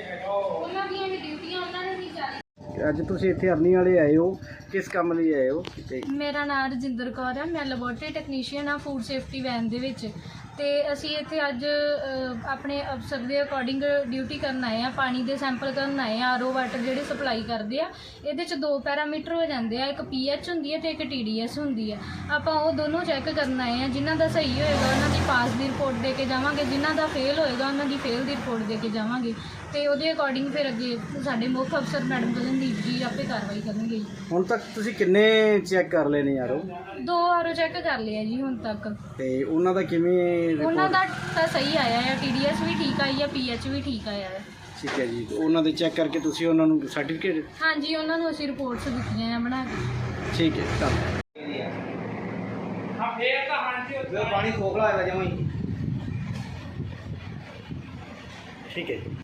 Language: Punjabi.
ਉਹਨਾਂ ਦੀਆਂ ਵੀ ਡਿਊਟੀਆਂ ਉਹਨਾਂ ਨੇ ਨਹੀਂ ਜਾਰੀ। ਅੱਜ ਤੁਸੀਂ ਇੱਥੇ ਅਰਨੀ ਵਾਲੇ ਆਏ ਹੋ, ਕਿਸ ਕੰਮ ਲਈ ਆਏ ਹੋ? ਮੇਰਾ ਨਾਮ ਰਜਿੰਦਰ ਕੌਰ ਹੈ, ਮੈਂ ਲੈਬੋਰਟਰੀ ਟੈਕਨੀਸ਼ੀਅਨ ਹਾਂ ਫੂਡ ਸੇਫਟੀ ਵੈਨ ਦੇ ਵਿੱਚ। ਤੇ ਅਸੀਂ ਇੱਥੇ ਅੱਜ ਆਪਣੇ ਅਫਸਰ ਦੇ ਅਕੋਰਡਿੰਗ ਡਿਊਟੀ ਕਰਨ ਆਏ ਆ, ਪਾਣੀ ਦੇ ਸੈਂਪਲ ਕਰਨ ਆਏ ਆ। ਆਰਓ ਵਾਟਰ ਜਿਹੜੇ ਸਪਲਾਈ ਕਰਦੇ ਆ, ਇਹਦੇ 'ਚ 2 ਪੈਰਾਮੀਟਰ ਹੋ ਜਾਂਦੇ ਆ, ਇੱਕ ਪੀਐਚ ਹੁੰਦੀ ਹੈ ਤੇ ਇੱਕ TDS ਹੁੰਦੀ ਹੈ। ਆਪਾਂ ਉਹ ਦੋਨੋਂ ਚੈੱਕ ਕਰਨ ਆਏ ਆ। ਜਿਨ੍ਹਾਂ ਦਾ ਸਹੀ ਹੋਏਗਾ ਉਹਨਾਂ ਦੀ ਪਾਸ ਦੀ ਰਿਪੋਰਟ ਦੇ ਕੇ ਜਾਵਾਂਗੇ, ਜਿਨ੍ਹਾਂ ਦਾ ਫੇਲ ਹੋਏਗਾ ਉਹਨਾਂ ਦੀ ਫੇਲ ਦੀ ਰਿਪੋਰਟ ਦੇ ਕੇ ਜਾਵਾਂਗੇ। ਤੇ ਉਹਦੇ ਅਕੋਰਡਿੰਗ ਫਿਰ ਅੱਗੇ ਸਾਡੇ ਮੁੱਖ ਅਫਸਰ ਮੈਡਮ ਗਗਨਦੀਪ ਜੀ ਆਪੇ ਕਾਰਵਾਈ ਕਰਨਗੇ। ਹੁਣ ਤੱਕ ਤੁਸੀਂ ਕਿੰਨੇ ਚੈੱਕ ਕਰ ਲਏ ਨੇ ਆਰਓ? 2 ਆਰਓ ਚੈੱਕ ਕਰ ਲਿਆ ਜੀ ਹੁਣ ਤੱਕ। ਤੇ ਉਹਨਾਂ ਦਾ ਕਿਵੇਂ? ਉਹਨਾਂ ਦਾ ਤਾਂ ਸਹੀ ਆਇਆ ਹੈ, TDS ਵੀ ਠੀਕ ਆਈ ਹੈ, ਪੀਐਚ ਵੀ ਠੀਕ ਆਇਆ ਹੈ। ਠੀਕ ਹੈ ਜੀ। ਉਹਨਾਂ ਦੇ ਚੈੱਕ ਕਰਕੇ ਤੁਸੀਂ ਉਹਨਾਂ ਨੂੰ ਸਰਟੀਫਿਕੇਟ? ਹਾਂਜੀ, ਉਹਨਾਂ ਨੂੰ ਅਸੀਂ ਰਿਪੋਰਟਸ ਦਿੱਤੀਆਂ ਆ ਬਣਾ ਕੇ। ਠੀਕ ਹੈ, ਧੰਨਵਾਦ। ਪਾਣੀ ਖੋਖਲਾ ਹੋਇਆ ਜਮਾਂ ਹੀ। ਠੀਕ ਹੈ ਜੀ।